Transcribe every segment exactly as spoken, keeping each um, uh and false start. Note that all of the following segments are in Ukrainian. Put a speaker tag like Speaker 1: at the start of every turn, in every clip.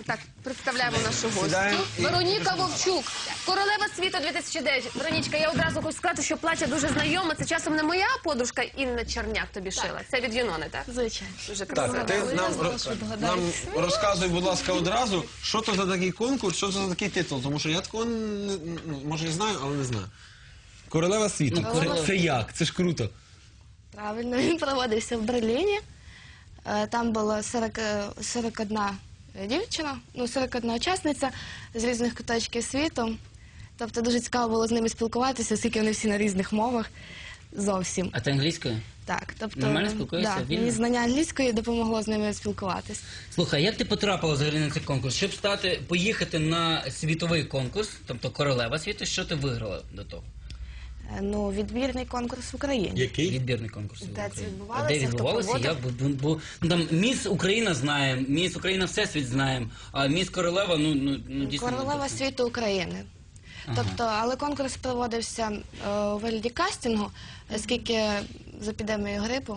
Speaker 1: Так, представляємо нашу гостю.
Speaker 2: Сідаємо і-
Speaker 1: Вероніка Вовчук, королева світу дві тисячі дев'ять. Веронічка, я одразу хочу сказати, що плаття дуже знайоме. Це часом не моя подружка Інна Черняк тобі шила. Це від Юнони, так?
Speaker 3: Звичайно.
Speaker 1: Дуже красиво.
Speaker 2: Так, ти
Speaker 3: Я
Speaker 2: нам,
Speaker 3: знала,
Speaker 2: ро-
Speaker 3: що
Speaker 2: нам
Speaker 3: догадаєтесь.
Speaker 2: розказуй, будь ласка, одразу, що це за такий конкурс, що це за такий титул, тому що я такого, не- ну, може, і знаю, але не знаю. Королева світу.
Speaker 3: Королева
Speaker 2: Це, це як? Це ж круто.
Speaker 3: Правильно, він проводився в Берліні. Е, Там було сорок, е, сорок одна дівчина, ну, сорок одна учасниця з різних куточків світу. Тобто дуже цікаво було з ними спілкуватися, оскільки вони всі на різних мовах зовсім.
Speaker 4: А ти англійською?
Speaker 3: Так, тобто,
Speaker 4: Нормально спілкуєшся,
Speaker 3: да,
Speaker 4: вільно?
Speaker 3: мені знання англійської допомогло з ними спілкуватись.
Speaker 4: Слухай, як ти потрапила взагалі на цей конкурс? Щоб стати, поїхати на світовий конкурс, тобто королева світу, що ти виграла до того?
Speaker 3: Е, Ну, відбірний конкурс в Україні.
Speaker 2: Який?
Speaker 4: Відбірний конкурс. в
Speaker 3: Де
Speaker 4: Україні.
Speaker 3: це
Speaker 4: А
Speaker 3: відбувалося,
Speaker 4: де
Speaker 3: хто
Speaker 4: відбувалося?
Speaker 3: проводив?
Speaker 4: Я, бо, бо, ну, там Міс Україна знаємо, Міс Україна Всесвіт знаємо, а Міс Королева, ну, ну, ну дійсно...
Speaker 3: Королева
Speaker 4: не
Speaker 3: світу України. Тобто, але конкурс проводився е, у вигляді кастингу, оскільки з епідемією грипу.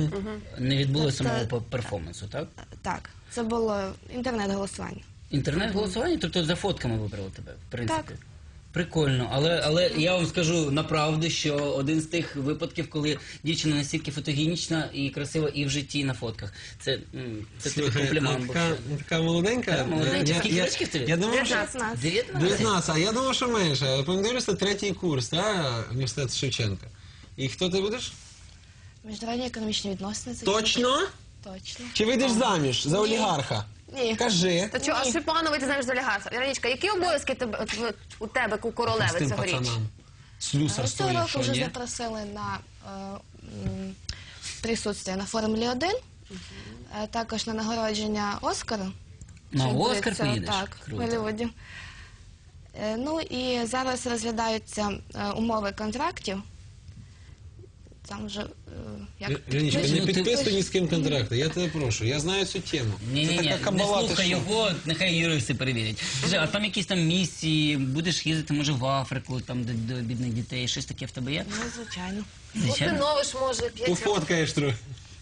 Speaker 4: Не відбулося
Speaker 3: Тобто-
Speaker 4: самого пе- перформансу, так?
Speaker 3: Так, це було інтернет-голосування.
Speaker 4: Інтернет-голосування, тобто за фотками вибрали тебе, в принципі.
Speaker 3: Так.
Speaker 4: Прикольно, але, але я вам скажу направду, що один з тих випадків, коли дівчина настільки фотогенічна і красива і в житті, і на фотках. Це, м, це тобі
Speaker 2: Слухай,
Speaker 4: комплімент
Speaker 2: а
Speaker 4: був.
Speaker 2: така, така молоденька.
Speaker 4: Така молоденька.
Speaker 2: Я-
Speaker 4: Скільки
Speaker 2: я-
Speaker 4: років тобі?
Speaker 2: Я думав, що...
Speaker 3: дев'ятнадцять.
Speaker 4: дев'ятнадцять?
Speaker 2: дев'ятнадцять, а я думав, що менше. Пам'ятаєш, це третій курс, так? Університет Шевченка. І хто ти будеш?
Speaker 3: Міжнародні економічні відносини. це
Speaker 2: Точно?
Speaker 3: Точно.
Speaker 2: Чи вийдеш заміж за олігарха?
Speaker 3: Ні.
Speaker 2: Кажи.
Speaker 1: Та чого, а що погано вийти заміж за олігарха? Веронічка, які обов'язки тебе, от, от, у тебе, як у королеви
Speaker 2: З тим
Speaker 1: цьогоріч?
Speaker 2: пацанам. Слюсар
Speaker 3: Цього
Speaker 2: стоїть,
Speaker 3: року
Speaker 2: що
Speaker 3: вже
Speaker 2: ні?
Speaker 3: запросили на е, м, присутствие на Формулі один, е, також на нагородження Оскара.
Speaker 4: На
Speaker 3: що
Speaker 4: Оскар
Speaker 3: відбудеться,
Speaker 4: поїдеш?
Speaker 3: Так, в
Speaker 4: Круто.
Speaker 3: Голлівуді. Е, Ну і зараз розглядаються е, умови контрактів. Там вже, е, як...
Speaker 2: Женечка,
Speaker 4: Ну,
Speaker 2: не
Speaker 4: ти-
Speaker 2: підписуй ні з ким контракти, я тебе прошу, я знаю цю тему.
Speaker 4: Ні,
Speaker 2: Це
Speaker 4: ні, ні,
Speaker 2: така
Speaker 4: не
Speaker 2: кабала, ти
Speaker 4: слухай
Speaker 2: що?
Speaker 4: його, нехай юристи перевірять. Скажи, а там якісь там місії, будеш їздити, може, в Африку, там, до, до бідних дітей, щось таке в тебе є?
Speaker 3: Ну, звичайно.
Speaker 4: Звичайно.
Speaker 1: Усиновиш, може, п'ять років.
Speaker 2: Пофоткаєш трохи.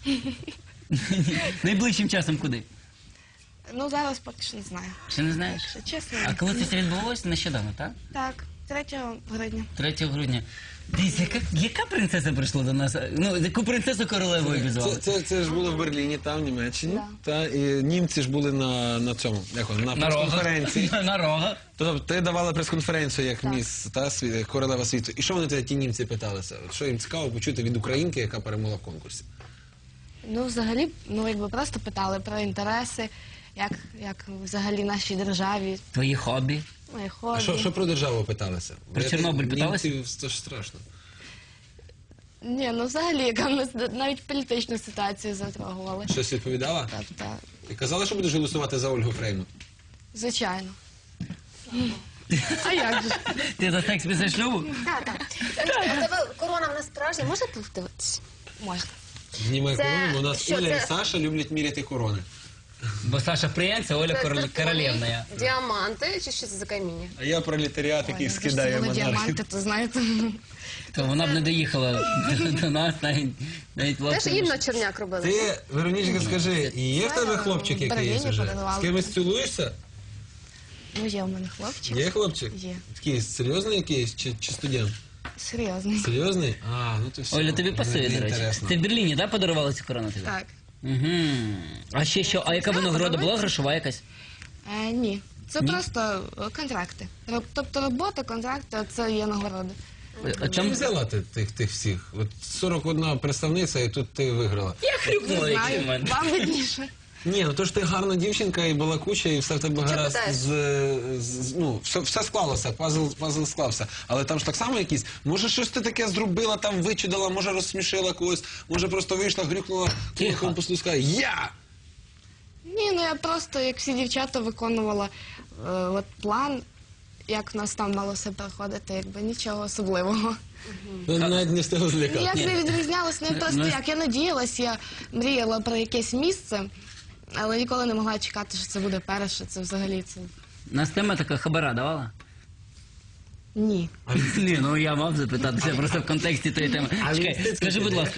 Speaker 4: Найближчим часом куди?
Speaker 3: Ну, зараз поки що не знаю.
Speaker 4: Ще не знаєш?
Speaker 3: Якщо чесно.
Speaker 4: А коли це все відбувалося? Нещодавно, так?
Speaker 3: Так, третього грудня.
Speaker 4: третього грудня. Дивіться, яка, яка принцеса прийшла до нас? Ну, яку принцесу королевою
Speaker 2: Це,
Speaker 4: обізвали?
Speaker 2: це, це ж було в Берліні, там, в Німеччині.
Speaker 3: Да.
Speaker 2: Та, і німці ж були на, на цьому, як воно, на
Speaker 4: На рогах.
Speaker 2: прес-конференції.
Speaker 4: На рогах.
Speaker 2: Тобто ти давала прес-конференцію як
Speaker 3: Так.
Speaker 2: міс, та, сві- королева світу. І що вони тебе, ті німці, питалися? От що їм цікаво почути від українки, яка перемогла в конкурсі?
Speaker 3: Ну, взагалі, ну, якби просто питали про інтереси, як, як взагалі нашій державі,
Speaker 4: Твої хобі.
Speaker 3: мої
Speaker 2: А
Speaker 3: хобі.
Speaker 2: що, що про державу питалися?
Speaker 4: Про
Speaker 2: Я-
Speaker 4: Чорнобиль питалися?
Speaker 2: Німців це ж страшно.
Speaker 3: Ні, ну взагалі, яка в нас навіть політичну ситуацію затрагували.
Speaker 2: Щось відповідала?
Speaker 3: Тобто,
Speaker 2: Ти казала, що будеш голосувати за Ольгу Фреймут?
Speaker 3: звичайно. А як же?
Speaker 4: Ти за секс після шлюбу?
Speaker 1: Так, так. А тебе корона в нас справжня, можна подивитися?
Speaker 3: Можна.
Speaker 2: Знімай
Speaker 1: Це-
Speaker 2: корону, у нас
Speaker 1: що
Speaker 2: Оля
Speaker 1: це?
Speaker 2: і Саша люблять міряти корони.
Speaker 4: Бо Саша принц, а Оля
Speaker 1: Це
Speaker 4: король...
Speaker 1: зеркальні
Speaker 4: королевна.
Speaker 1: Діаманти, чи що це за каміння?
Speaker 2: А я пролетаріат, який
Speaker 3: Ой,
Speaker 2: скидає
Speaker 3: якщо були
Speaker 2: монархів.
Speaker 3: діаманти, то знаєте.
Speaker 4: То вона б не доїхала до, до нас, навіть, навіть
Speaker 1: Теж
Speaker 4: власне.
Speaker 1: Інна Черняк робила.
Speaker 2: Ти, Веронічка, скажи, є в тебе хлопчик якийсь
Speaker 3: Берліні
Speaker 2: уже?
Speaker 3: подарували.
Speaker 2: З кимось цілуєшся?
Speaker 3: Ну, є в мене хлопчик.
Speaker 2: Є хлопчик?
Speaker 3: Є.
Speaker 2: Такий серйозний якийсь чи, чи студент?
Speaker 3: Серйозний.
Speaker 2: Серйозний? А, ну то все.
Speaker 4: Оля, тобі пасує,
Speaker 2: Мені
Speaker 4: до речі.
Speaker 2: інтересно.
Speaker 4: Ти в Берліні, так, подарувала цю корону тобі?
Speaker 3: Так.
Speaker 4: Угу. А ще що? А яка винагорода була? Грошова якась?
Speaker 3: Е, ні. Це
Speaker 4: Ні?
Speaker 3: просто е, контракти. Роб- Тобто робота, контракти, це є нагороди.
Speaker 4: А
Speaker 2: Чим
Speaker 4: чому?
Speaker 2: взяла ти тих, тих всіх? От сорок одна представниця, і тут ти виграла.
Speaker 4: Я
Speaker 3: Не
Speaker 4: хрюкнула, який в
Speaker 3: знаю,
Speaker 4: мене.
Speaker 3: вам видніше.
Speaker 2: Ні, ну то ж ти гарна дівчинка і балакуча, і все в тебе гаразд
Speaker 1: питаєш?
Speaker 2: з, з ну, все, все склалося, пазл, пазл склався. Але там ж так само якісь, може щось ти таке зробила, там вичудила, може розсмішила когось, може просто вийшла, грюкнула,
Speaker 4: Тихо.
Speaker 2: кулаком по столу, сказала «Я!»
Speaker 3: Ні, ну я просто, як всі дівчата, виконувала е, от план, як в нас там мало все проходити, якби нічого особливого.
Speaker 2: Ну, навіть не встигла злякати.
Speaker 3: Ніяк
Speaker 4: Ні.
Speaker 3: не відрізнялось, не просто
Speaker 4: Ну,
Speaker 3: як. Я надіялась, я мріяла про якесь місце, але ніколи не могла чекати, що це буде перше, це взагалі це...
Speaker 4: Нас тема така хабара давала?
Speaker 3: Ні.
Speaker 4: Ні, ну я мав запитатися просто в контексті тої теми. Чекай, скажи, будь ласка.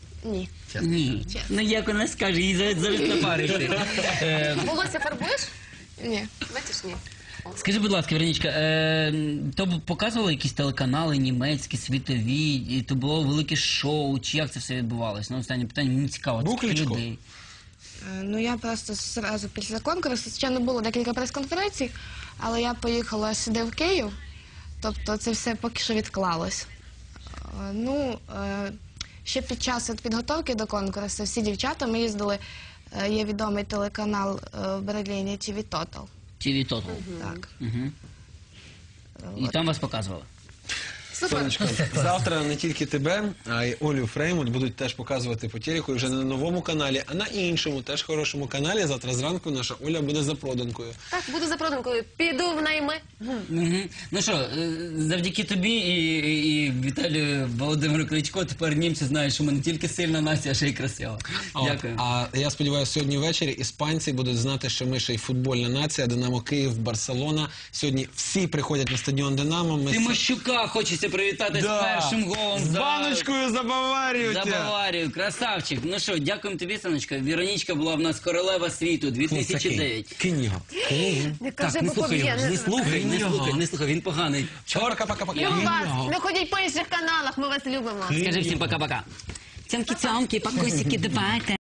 Speaker 3: Ні.
Speaker 4: Ні. Ну як вона скаже, їй завжди завжди на пари йти. Е,
Speaker 1: Волосся фарбуєш?
Speaker 3: Ні.
Speaker 1: Бачиш, ні.
Speaker 4: Скажи, будь ласка, Веронічка, е, то б показували якісь телеканали німецькі, світові, і то було велике шоу, чи як це все відбувалося? Ну, останнє питання, мені цікаво.
Speaker 2: Був
Speaker 4: скільки
Speaker 2: Кличко?
Speaker 4: людей?
Speaker 3: Е, Ну, я просто зразу після конкурсу, ще не було декілька прес-конференцій, але я поїхала сюди в Київ, тобто це все поки що відклалось. Е, Ну, е, ще під час от підготовки до конкурсу всі дівчата, ми їздили, е, є відомий телеканал е, в Берліні ті ві Total.
Speaker 4: ті ві Total.
Speaker 3: Так.
Speaker 4: Угу. І там вас показували?
Speaker 1: Супер.
Speaker 2: Сонечко, завтра не тільки тебе, а й Олю Фреймут будуть теж показувати по телеку, і вже не на новому каналі, а на іншому, теж хорошому каналі. Завтра зранку наша Оля буде за проданкою.
Speaker 1: Так, буду за проданкою. Піду в найми.
Speaker 4: Угу. Ну що, е, завдяки тобі і, і, і Віталію Володимиру Кличко тепер німці знають, що ми не тільки сильна нація, а ще й красива.
Speaker 2: От.
Speaker 4: Дякую.
Speaker 2: А я сподіваюся, сьогодні ввечері іспанці будуть знати, що ми ще й футбольна нація, Динамо Київ, Барселона. Сьогодні всі приходять на стадіон Динамо. Ми
Speaker 4: Тимощука хочеться привітати
Speaker 2: Да.
Speaker 4: з першим голом.
Speaker 2: З
Speaker 4: за-
Speaker 2: баночкою за Баварію!
Speaker 4: За
Speaker 2: тя!
Speaker 4: Баварію, красавчик. Ну що, дякуємо тобі, Сонечка. Віронічка була в нас королева світу дві тисячі дев'ять.
Speaker 2: Кинь його. Кинь його.
Speaker 1: Не
Speaker 4: Так,
Speaker 1: кажи,
Speaker 4: не
Speaker 1: бо
Speaker 4: слухай
Speaker 1: поб'є.
Speaker 4: його, не слухай, не
Speaker 2: Його.
Speaker 4: слухай, не слухай, він поганий.
Speaker 2: Пока-пока-пока.
Speaker 1: Любимо
Speaker 2: Кинь
Speaker 1: вас.
Speaker 2: його.
Speaker 1: Не ходіть по інших каналах, ми вас любимо.
Speaker 4: Скажи всім пока-пока. Цямки-цямки, покусики, давайте.